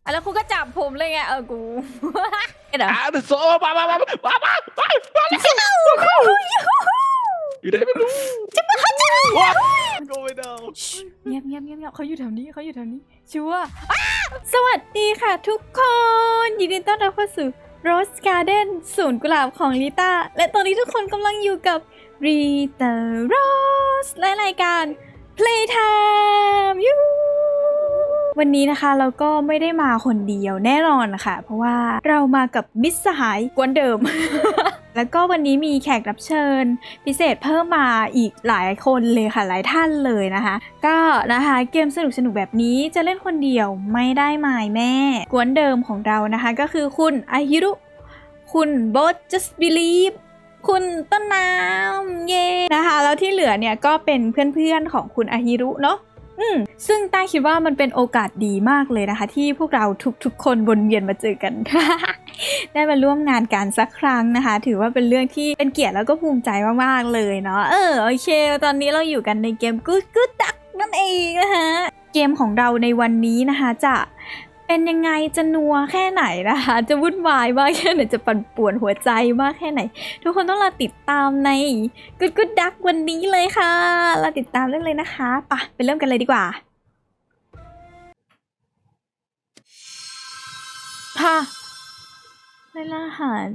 แล้วคุณก็จับผมเลยไงกูเดี๋ยวโซ่มาอยู่ไหนไม่รู้จะมาเขาจะว้าโกไม่ได้เงียบเขาอยู่แถวนี้ชัวร์สวัสดีค่ะทุกคนยินดีต้อนรับเข้าสู่ Rose Garden ศูนย์กุหลาบของลิต้าและตอนนี้ทุกคนกำลังอยู่กับ Rita Rose และรายการ Playtime ยูวันนี้นะคะเราก็ไม่ได้มาคนเดียวแน่นอนนะคะเพราะว่าเรามากับมิตรสหายกวนเดิม แล้วก็วันนี้มีแขกรับเชิญพิเศษเพิ่มมาอีกหลายคนเลยค่ะหลายท่านเลยนะคะก็นะคะเกมสนุกแบบนี้จะเล่นคนเดียวไม่ได้หมายแม่กวนเดิมของเรานะคะก็คือคุณอาฮิรุคุณโบท just believe คุณต้นน้ำเย่นะคะแล้วที่เหลือเนี่ยก็เป็นเพื่อนๆของคุณอาฮิรุเนาะซึ่งต้าคิดว่ามันเป็นโอกาสดีมากเลยนะคะที่พวกเราทุกๆคนวนเวียนมาเจอกัน ได้มาร่วมงานกันสักครั้งนะคะถือว่าเป็นเรื่องที่เป็นเกียรติแล้วก็ภูมิใจมากๆเลยเนาะโอเคตอนนี้เราอยู่กันในเกม Good Duck นั่นเองนะคะเกมของเราในวันนี้นะคะจะเป็นยังไงจะนัวแค่ไหนนะคะจะวุ่นวายมากแค่ไหนจะปั่นป่วนหัวใจมากแค่ไหนทุกคนต้องรอติดตามใน Good Duck วันนี้เลยค่ะรอติดตามได้เลยนะคะไปเริ่มกันเลยดีกว่าค่ะเวลาอาหาร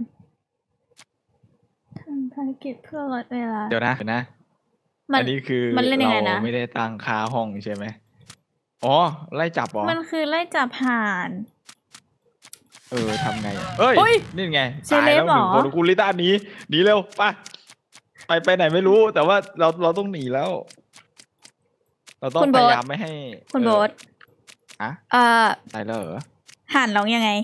ทำภารกิจเพื่อลดเวลาเดี๋ยวนะอันนี้คือมันเล่นยังไงนะเราไม่ได้ตั้งค่าห้องใช่ไหมอ๋อไล่จับเหรอมันคือไล่จับห่านทำไงเอ้ยนี่ไงตายแล้วหนึ่งคนกูลิต้าหนีเร็วไปไหนไม่รู้แต่ว่าเราต้องหนีแล้วเราต้องพยายามไม่ให้คุณโบ๊ทตายแล้วเหรอห่านร้องยังไง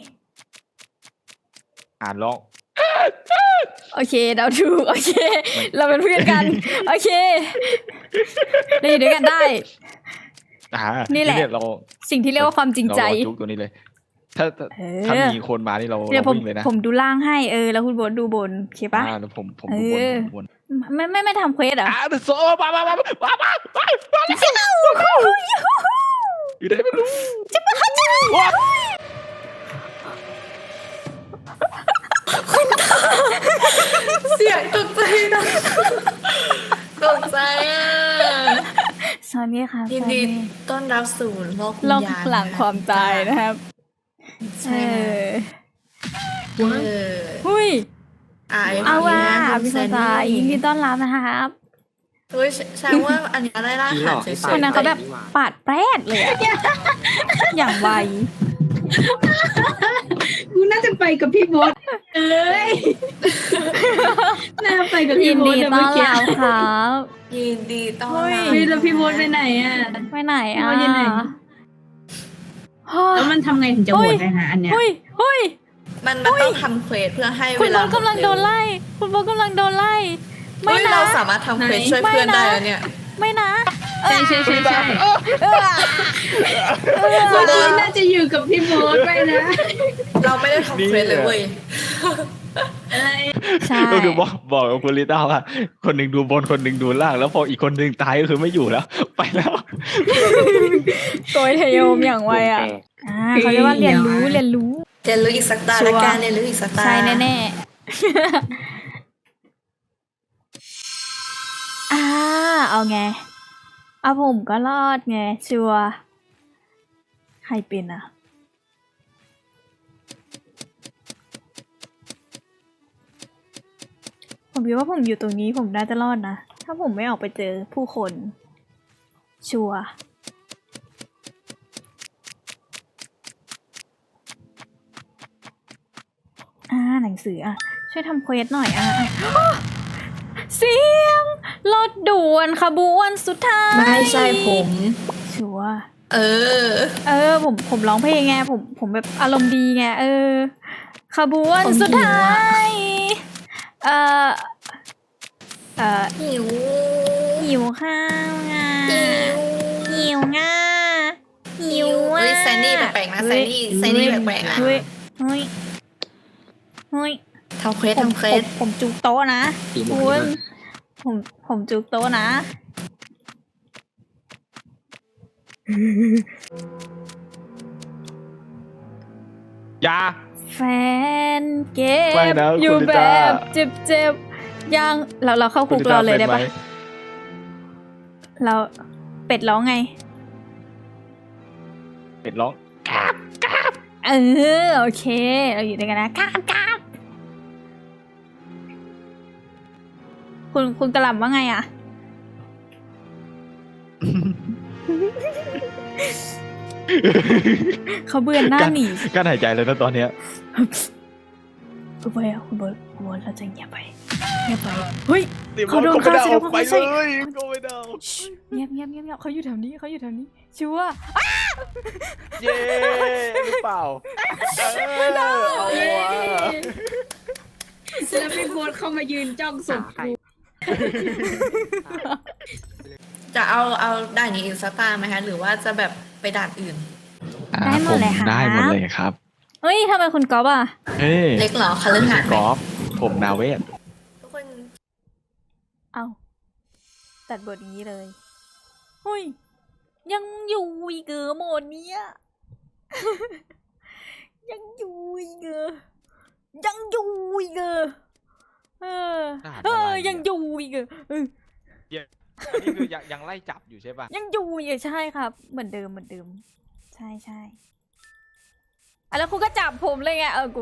อ่านร้องโอเคเราถูกโอเคเราเป็นเพื่อนกันโอเคเราอยู่ด้วยกันได้นี่แหละเราสิ่งที่เรียกว่าความจริงใจจุกตัวนี้เลยถ้ามีคนมานี่เราวิ่งเลยนะผมดูล่างให้แล้วคุณโบ๊ทดูบนโอเคปะแล้วผมดูบนไม่ทำเควสเหรอโซ่มาอยู่ไหนไม่รู้จะมาเขาจะเสียงตกใจนะตกใจสวัสดีค่ะยินดีต้อนรับสู่โลกวิญญาณหลังความตายนะครับหุ้ยเอาว่าพี่สตาร์ยินดีต้อนรับนะครับเฮ้ยแสดงว่าอันนี้ได้ล่าหาเฉยๆคนนั้นเขาแบบปาดแปรดเลยอย่างไวกูน่าจะไปกับพี่โบ๊ทน่าไปกับพี่โบ๊ทเมื่อกี้ครับยินดีต้อนรับแล้วพี่โบ๊ทไปไหนไปไหนแล้วมันทำไงถึงจะโหวตได้ฮะอันเนี้ยมันต้องทำเควสเพื่อให้เวลาคุณโบ๊ทกำลังโดนไล่ไม่นะเราสามารถทำเควสช่วยเพื่อนได้แล้วเนี่ยไม่นะใช่คนนี้น่าจะอยู่กับพี่โบ๊ทไปนะเราไม่ได้ทำเควสเลยเว้ยใช่ก็คือบอกกับคุณลิต้าว่าคนหนึ่งดูบนคนหนึ่งดูล่างแล้วพออีกคนหนึ่งตายก็คือไม่อยู่แล้วไปแล้วโกยเทโยมอย่างไวเขาเรียกว่าเรียนรู้อีกสักตาละกันเรียนรู้อีกสักตาใช่แน่เอาไงเอาผมก็รอดไงชัวใครเป็นผมคิดว่าผมอยู่ตรงนี้ผมน่าจะรอดนะถ้าผมไม่ออกไปเจอผู้คนชัวหนังสือช่วยทำเควสหน่อยเสียงรถด่วนขบวนสุดท้ายไม่ใช่ผมชัวผมร้องเพลงไงผมแบบอารมณ์ดีไงขบวนสุดท้ายหิวข้าวหิวแซนดี้แปลกๆนะแซนดี้แปลกๆนะเฮ้ยทำเควสผมจุกโต๊ะนะคุณผมจุกโต๊ะนะอย่าแฟนเก็บไม่นะอยู่คุณลิแบต้าบเจ็บยังเราเข้าคุกเราเลยได้ปะเราเป็ดร้องไงเป็ดร้องเออโอเค เราอยู่ด้วยกันนะกราบคุณกระหล่ำว่าไงอ่ะ เขาเบือนหน้าหนีกั้นหายใจเลยนะตอนเนี้ยคุณบอยอ่ะคุณบอยเราจะเงียบไปเฮ้ย เขาโดนฆ่าแสดงว่าไปเขาใช่เลยก็ไม่ได้ชิเงียบเขาอยู่แถวนี้ชัวร์เย้หรือเปล่าเอาวะแล้วพี่โบทเข้ามายืนจ้องศพกูจะเอาด่านนี้อินสตาไหมคะหรือว่าจะแบบไปด่านอื่นได้หมดเลยค่ะได้หมดเลยครับเฮ้ยทำไมคุณก๊อฟอ่ะเฮ้ยเล็กเหรอคาลือหาดไหมกอล์ฟผมนาเวศทุกคนเอาตัดบทนี้เลยเฮ้ยยังอยู่อีกเหรอโหมดเนี้ย ยังอยู่อีกเหรอยังอยู่อีกเหรออันนี้คือยังไล่จับอยู่ใช่ป่ะยังอยู่อีกใช่ครับ เหมือนเดิมใช่อ่ะแล้วคุณก็จับผมเลยไงกู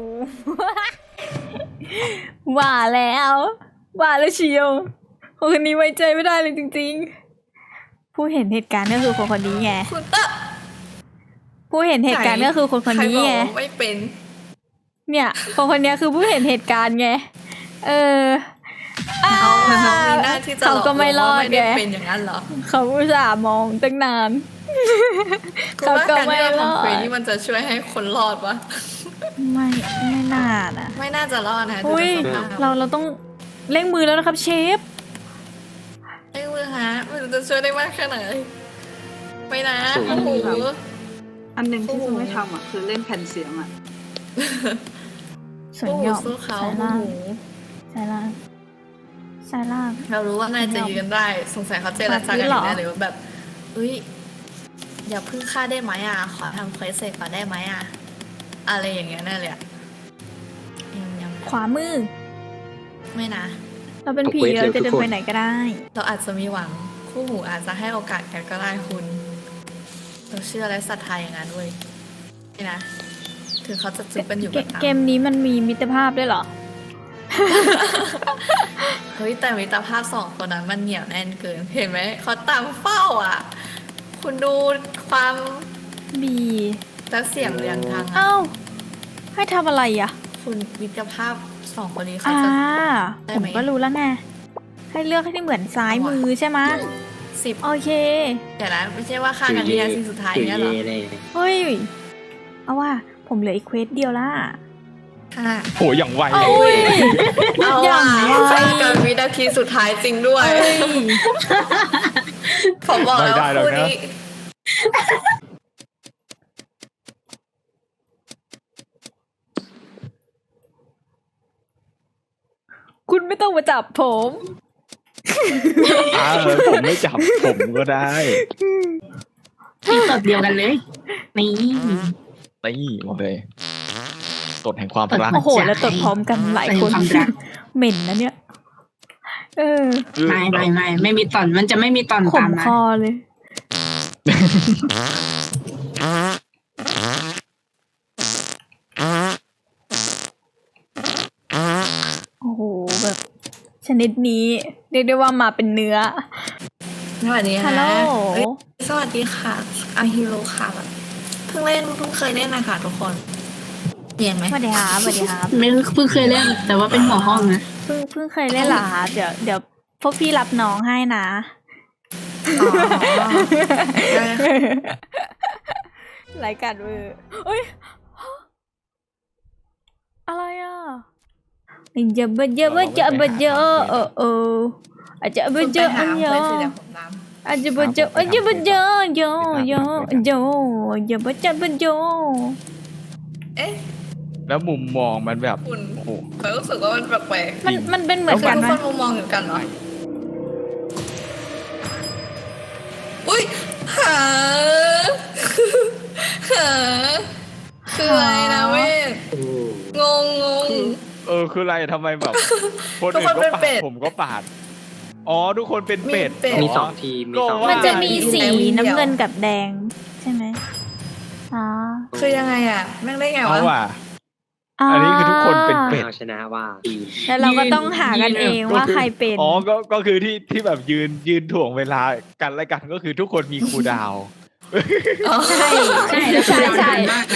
ว่าแล้วเชียวคนนี้ไว้ใจไม่ได้เลยจริงๆ ผู้เห็นเหตุการณ์ก็คือคนนี้ไงคุณเตอร์ผู้เห็นเหตุการณ์ก็คือคนนี้ไงใครบอกว่าไม่เป็นเนี่ยคนนี้คือผู้เห็นเหตุการณ์ไงเขามีหน้าที่จะเขาก็ไม่รอดไม่ได้ไงเป็นอย่างนั้นเหรอเขาอุตส่าห์มองตั้งนานคุณว่าการที่เราเขาก็ไม่รอดทำเควสนี่มันจะช่วยให้คนรอดวะไม่น่านะไม่น่าจะรอดนะอุ้ยดูจากสภาพเราต้องเร่งมือแล้วนะครับเชฟไอ้มือฮะมันจะช่วยได้มากแค่ไหนไม่นะสูงโอ้โหอันหนึ่งที่ซูไม่ทำอ่ะคือเล่นแผ่นเสียงอ่ะส่วนโอ้โหหยอกสู้เขาสายโอ้ล่างโหสายล่างเรารู้ว่านายจะยืนได้ สงสัยเขาเจรจากันอยู่แน่เลยว่าแบบอุ้ยอย่าพึ่งฆ่าได้ไหมอ่ะขอทำเควสเสร็จก่อนได้ไหมอ่ะอะไรอย่างเงี้ยแน่เลยอ่ะยังขวามือไม่นะเราเป็นผีเอาเควสเราจะเร็วทุเดิกนคนไปไหนก็ได้เราอาจจะมีหวังคู่หูอาจจะให้โอกาสกันก็ได้คุณเราเชื่อและศรัทธาอย่างนั้นเว้ยนี่นะถึงเขาจะจุบกันอยู่ก็ตามเกมนี้มันมีมิตรภาพด้วยเหรอเฮ้ยแต่มิตรภาพสองคนนั้นมันเหนียวแน่นเกินเห็นไหมเขาตามเฝ้าอ่ะ คุณดูความบีและเสียงเรียงทางอะเอ้า ให้ทำอะไรอ่ะคุณมิตรภาพสองคนนี้เขาอ่าจะ ได้ผมไหมก็รู้แล้วไง ให้เลือกให้เหมือนซ้ายมือใช่ไหมะ 10 โอเคเดี๋ยวนะไม่ใช่ว่าฆ่ากันวินาทีสุดท้ายเนี่ยเหรอเฮ้ย เอาว่า ผมเหลืออีกเควสเดียวละค่ะโหอย่างไวโอ้ยเอาอย่าว่ะงไวฆ่ากันวินาทีสุดท้ายจริงด้วยเอ้ยผมบอกแล้วไม่ได้หรอกคู่นะนี้คุณไม่ต้องมาจับผมผมไม่จับผมก็ได้ที่ตดเดียวกันเลย นี่นี่บอกเลยตดแห่งความรักโอ้โห แล้วตดพร้อมกันหลายคนเป็นความรักเหม็นนะเนี่ยไม่มีตอนมันจะไม่มีตอนขตามมมาคอเลย โอ้โห แบบ ชนิดนี้เรียกได้ว่ามาเป็นเนื้อสวัสดีฮัค่ะลโหลเอ้ยสวัสดีค่ะอาฮิโร่ค่ะแบบเพิ่งเคยเล่นนะคะทุกคนเรียนไหมสวัสดีครับสวัสดีครับไม่เพิ่งเคยเล่น แต่ว่าเป็นหัวห้องนะเพิ่งเคยเล่นเหรอคะเดี๋ยวพวกพี่รับน้องให้นะอ๋อได้ค่ะรายการเวอร์เอ้ย อะไรอ่ะจะบเยอะจะบเยอะอาจจะบคุณเยไปอะหาเยเควอะสสิเดี๋ยวผมตามอาจจะบเยอะอาจจะบเยอะโยโยโยอย่าบจะบโยเอ๊ะแล้วมุมมองมันแบบคุณโอ้โหผมรู้สึกว่ามันแปลกมันเป็นเหๆมือนกันทุไหมกคนมุมมองเหมือนกันเหรออุ้ยหา หาคืออะไรนะเวทคืออะไรทำไมแบบคนทุกอื่คน นเป็นก็ปาเป็ดดผมก็ปาดอ๋อทุกคนเป็นเป็ดมีเป็ดเหรมีสองทีม มีสองก็ว่ามันจะมีมีสีแดงมีเดียวน้ำเงินกับแดง ใช่ไหมอ๋อคือยังไงอ่ะแม่งได้ไงเอาวะว่ะ อันนี้คือทุกคนเป็นเป็ดเอาชนะว่าทีมแล้วเราก็ต้องหากันเองว่าใครเป็นอ๋อก็คือที่แบบยืนถ่วงเวลากันและกันก็คือทุกคนมีคูลดาวน์อ๋อใช่ใช่แล้วคือเราใช่นานมากนะ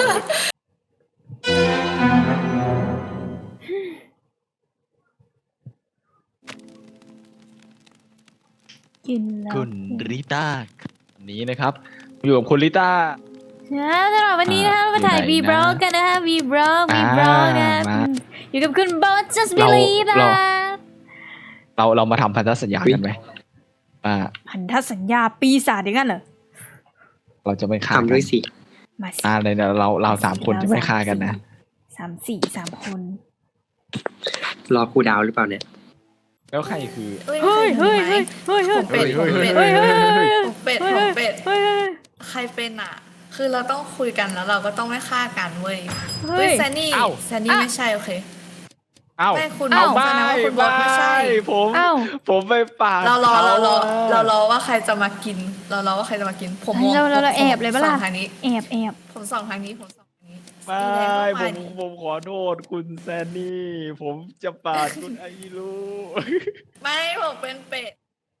กินแล้วคุณริต้านี้นะครับ อยู่กับคุณริต้าสำหรับวันนี้นะคะเรามาถ่ายอยู่ V ไหนนะ Bro กันนะคะ V Bro V Bro นะมาอยู่กับคุณโบท just เรา believe นะเรามาทำพันธสัญญากันไหมพันธสัญญาปีศาจอย่างนั้นเหรอเราจะไม่ฆ่ากัทำด้วยสิมาสิเลยนะเราสามคนจะไม่ฆ่ากันนะ 3 คนรอครูดาวหรือเปล่าเนี่ยแล้วใครคือเฮ้ยเฮ้ยเฮ้ยเฮ้ยเฮ้ยเฮ้ยผมเป็ดผมเป็ดเฮ้ยเฮ้ยเฮ้ยผมเป็ดผมเป็ดเฮ้ยใครเป็นอ่ะ คือเราต้องคุยกันแล้วเราก็ต้องไม่ฆ่ากันเว้ยเฮ้เฮ้ยยแซนนี่เอ้าแซนนี่ไม่ใช่โอเคเอ้าไม่คุณเอ้าแสดงว่าคุณบอสไม่ใช่ผมเอ้าผมไปปาดเรารอขเรารอว่าใครจะมากิน เรารอว่าใครจะมากิน ผมมองเราแอบเลยปะล่ะผมส่องทางนี้แอบผมส่องทางนี้ผมส่องทางนี้ไม่สีแดงก็าดิผมขอโทษคุณแซนนี่ ผมจะปาดคุณไอรูไม่ผมเป็นเป็ด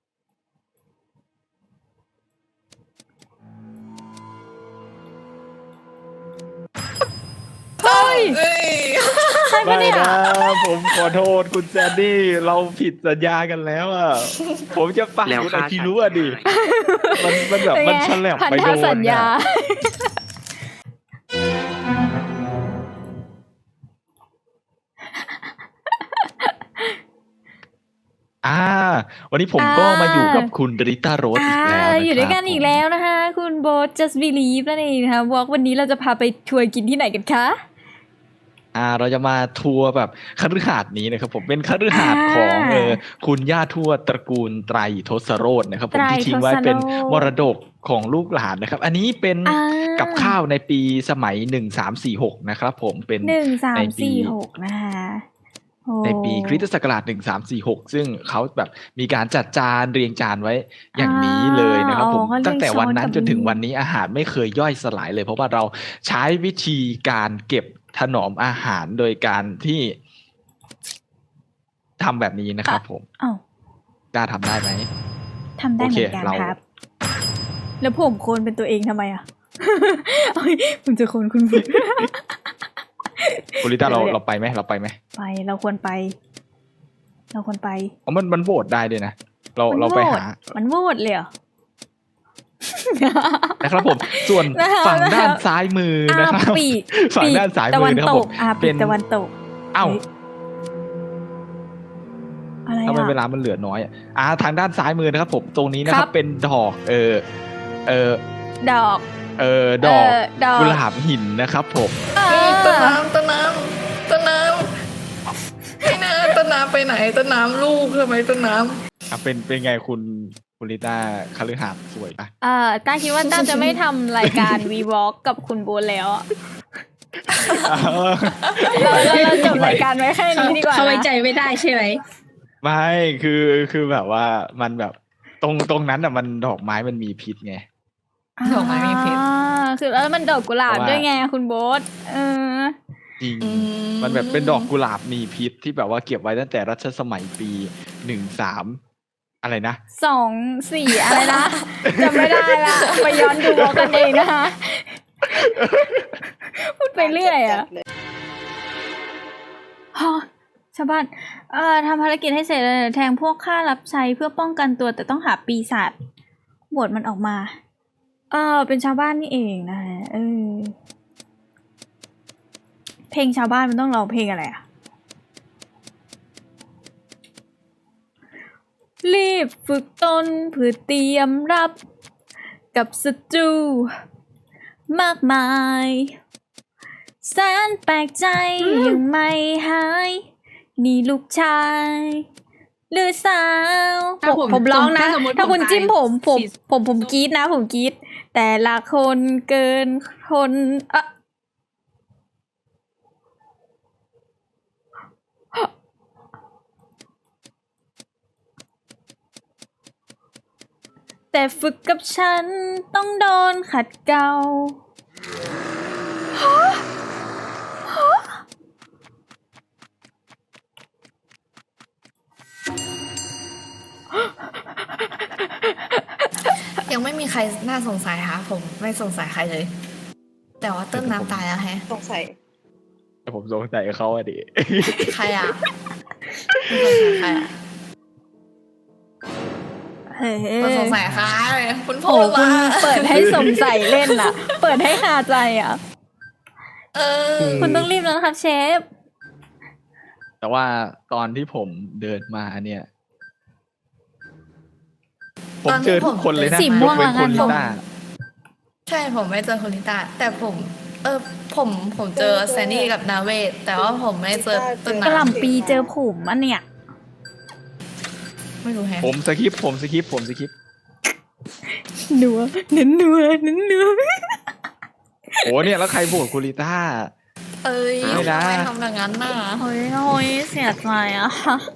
เฮ้ยเอ้ยใช่ปะไม่เนี่ยนะผมขอโทษคุณแซนนี่ เราผิดสัญญากันแล้วอ่ะ ผมจะปาดแล้วคุณไอฆ่าคิรู้อ่ะดิ มันแบบเป็นมันไงฉลับพันไปธโดนสัญญาอะวันนี้ผมก็มาอยู่กับคุณริต้าโรสอีกแล้วนะครับอยู่ด้วยกันอีกแล้วนะคะ คุณโบท just believe นั่นเองนะคะวอล์กวันนี้เราจะพาไปทัวร์กินที่ไหนกันคะเราจะมาทัวร์แบบคฤหาสน์นี้นะครับผมเป็นคฤหาสน์ของคุณย่าทวดตระกูลไตรทศโรจน์นะครับผมที่ทิ้งไว้เป็นมรดกของลูกหลานนะครับ อันนี้เป็น กับข้าวในปีสมัย1346นะครับผมเป็น 1346นะคะโอ้ในปีคริสตศักราช1346ซึ่งเขาแบบมีการจัดจานเรียงจานไว้อย่างนี้เลยนะครับผมเขาเรียกตั้งแต่วันนั้นช้อนกับจนถึงวันนี้อาหารไม่เคยย่อยสลายเลย เพราะว่าเราใช้วิธีการเก็บถนอมอาหารโดยการที่ทำแบบนี้นะครับผมอ้าวกล้าทำได้ไหมทำได้เหมือนกันโอเคเราครับ แล้วผมโคนเป็นตัวเองทำไมอ่ะ เอ้ยผมจะโคนคุณบุคุณลิต้าเดี๋ยวเราไปไหมเราไปไหมไปเราควรไปอ๋อมันโหวตได้ด้วยนะเราไปหามันโหวตเลยเหรอนะครับผม ส่วนนะคะฝั่งด้านซ้ายมือนะครับปีกฝั่งด้านซ้ายตะมืวัอน นะครับตผกมปีเป็กนตะวันตกเอ้าอะไรทำไมเวอ่ะลามันเหลือน้อยทางด้านซ้ายมือนะครับผมตรงนี้นะคครัรับบ เป็นดอกดอกดอกดอกกุหลาบหินนะครับผมต้นน้ำไปไหนต้นน้ำไปไหนต้นน้ำลูกทำไมต้นน้ำเป็นไงคุณลิต้าคฤหาสน์สวยปะต้าคิดว่าต้าจะไม่ทำรายการ V Walk กับคุณโบนแล้วอะเราจบรายการไว้แค่นี้ดีกว่าเขาไว้นะใจไม่ได้ใช่ไหมไม่คือแบบว่ามันแบบตรงนั้นอ่ะมันดอกไม้มันมีพิษไงดอกไม้มีพิษคือแล้วมันดอกกุหลาบเพราะว่าด้วยไงคุณโบทจริงอืมมันแบบเป็นดอกกุหลาบมีพิษที่แบบว่าเก็บไว้ตั้งแต่รัชสมัยปี13อะไรนะ 2 4อะไรนะจำไม่ได้ละไปย้อนดูเอากันเองนะคะพูดไปเรื่อยอ่ะฮะชาวบ้านทำภารกิจให้เสร็จแล้วแทงพวกข้ารับใช้เพื่อป้องกันตัวแต่ต้องหาปีศาจบวชมันออกมาเป็นชาวบ้านนี่เองนะคะเพลงชาวบ้านมันต้องร้องเพลงอะไรอ่ะรีบฝึกตนเพื่อเตรียมรับกับศัตรูมากมายแสนแปลกใจยังไม่หายนี่ลูกชายหรือสาวถ้าผมร้องนะถ้าสมมุติถ้าคุณผมตายจิ้มผมกรี๊ดนะผมกรี๊ดแต่ละคนเกินคนแต่ฝึกกับฉันต้องโดนขัดเกลายังไม่มีใครน่าสงสัยค่ะผมไม่สงสัยใครเลย แต่ว่าต้นน้ำตายแล้วแฮะสงสัยแต่ผมสงสัยเขาอะดิใครอ่ะไม่สงสัยใครอ่ะเฮ้ไม่สงยสัยใครคุณพูโอ้ดคุว่าณเปิดให้สงสัยเล่นอ่ะ เปิดให้คาใจอ่ะเออคุณต้องรีบแล้วนะครับเชฟแต่ว่าตอนที่ผมเดินมาเนี่ย ผมเจอทุกคนเลยนะสีม่วงยกเว้นแล้วกันคุณลิต้าใช่ผมไม่เจอคุณลิต้าแต่ผม ผมเจอแซนดี้กับนาเวทแต่ว่าผมไม่เจอต้นกระหน้ำล่ำปีเจอผมอันเนี่ยไม่รู้แฮะผมสคิปผมสคิปนัวเน้นนัวเน้นนัวโอ้เนี่ยแล้วใครบวกคุณลิต้าเอ้ยไม่ทำได้ไมทำอย่างนั้นน่ะโอ้ยโอ้ยเสียใจอ่ะ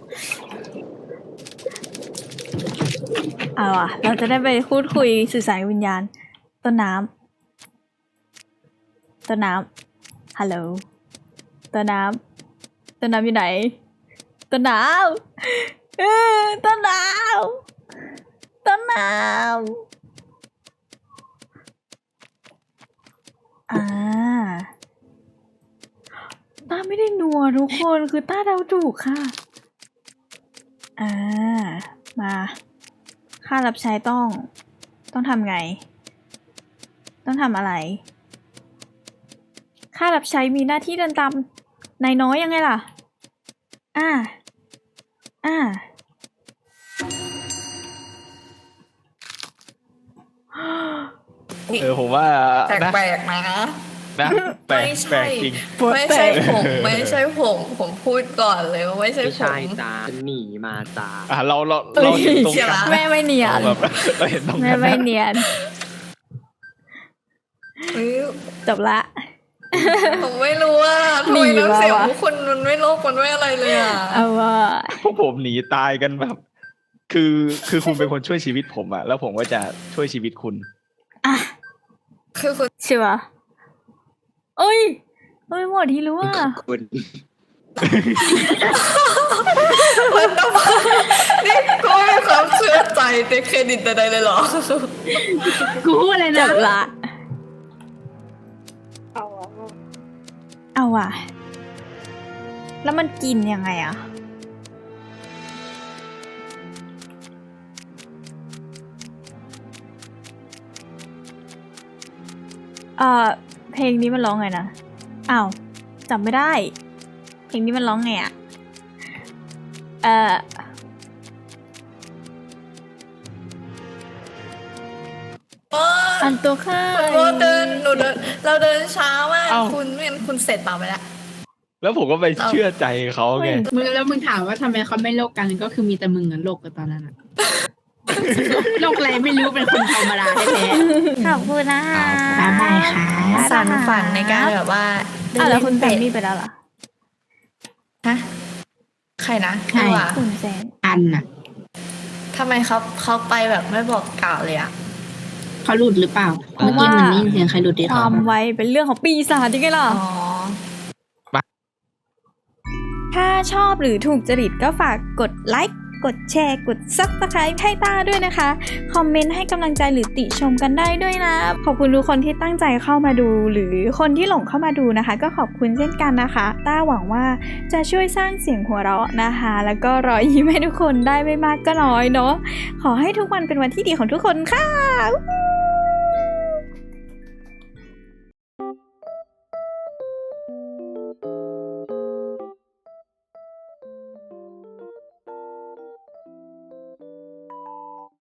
เอาอ่ะ เราจะได้ไปพูดคุยสื่อสารวิญญาณ ต้นน้ำฮัลโหลต้นน้ำอยู่ไหนต้นน้ำต้นน้ำต้าไม่ได้นัวทุกคนคือต้าเดาถูกค่ะมาค่ารับใช้ต้องทำไง ต้องทำอะไรค่ารับใช้มีหน้าที่เดินตามนายน้อยยังไงล่ะผมว่าแปลกๆนะนะแปลกไม่แปลใช่กจริงไม่ใช่ผมพูดก่อนเลยว่าไม่ใช่ไม่ผใช่มจ้าฉันหนีมาจ้าเราเห็นตรงกันแม่ไม่เนียนเราเห็นตรงแม่กันไม่เนียนเฮ้ยจบละผมไม่รู้ว่าทำไมน้ำเสียงทุกคนมันไม่โลกมันไม่อะไรเลยอ่ะเอาว่าพวกผมหนีตายกันแบบ คือคุณเป็นคนช่วยชีวิตผมอะแล้วผมก็จะช่วยชีวิตคุณอ่ะคือคุณใช่ปะเอ้ยหมดที่รู้ว่าคุณนี่ก็ไม่มีความเชื่อใจในเครดิตใดๆเลยเหรอกูพูดอะไรจนะบละ เอาว่ะ แล้วมันกินยังไงอ่ะ เพลงนี้มันร้องไงนะ อ้าวจำไม่ได้ เพลงนี้มันร้องไงอ่ะ อันตัวข้าเราเดินช้ามากเอ้าคุณไม่งั้นคุณเสร็จเปล่าไปแล้วแล้วผมก็ไปเชื่อใจเขาไงมึงถามว่าทำไมเขาไม่โลกกันก็คือมีแต่มึงอะโลกกันตอนนั้นอะ โลกอะไรไม่รู้เป็นคนธรรมดาแท้ขอบคุณนะคะบ๊ายบายค่ะสารฝันในการแบบว่าอ้าวแล้วคุณแซเล่มนมี่ไปแล้วเหรอฮะใครนะใครวะคุณแซมๆอันน่ะทำไมเขาไปแบบไม่บอกกล่าวเลยอ่ะเขาหลุดหรือเปล่าเมื่อกี้เหมือนได้ยินเสียงใครหลุดที่คเขาวามไวเป็นเรื่องของปีศาจจริงๆล่ะอ๋อถ้าชอบหรือถูกจริตก็ฝากกดไลค์ กดแชร์ กด Subscribe ให้ต้าด้วยนะคะ คอมเมนต์ให้กำลังใจหรือติชมกันได้ด้วยนะ ขอบคุณทุกคนที่ตั้งใจเข้ามาดู หรือคนที่หลงเข้ามาดูนะคะ ก็ขอบคุณเช่นกันนะคะ ต้าหวังว่าจะช่วยสร้างเสียงหัวเราะนะคะ แล้วก็รอยยิ้มให้ทุกคนได้ไม่มากก็น้อยเนาะ ขอให้ทุกวันเป็นวันที่ดีของทุกคนค่ะ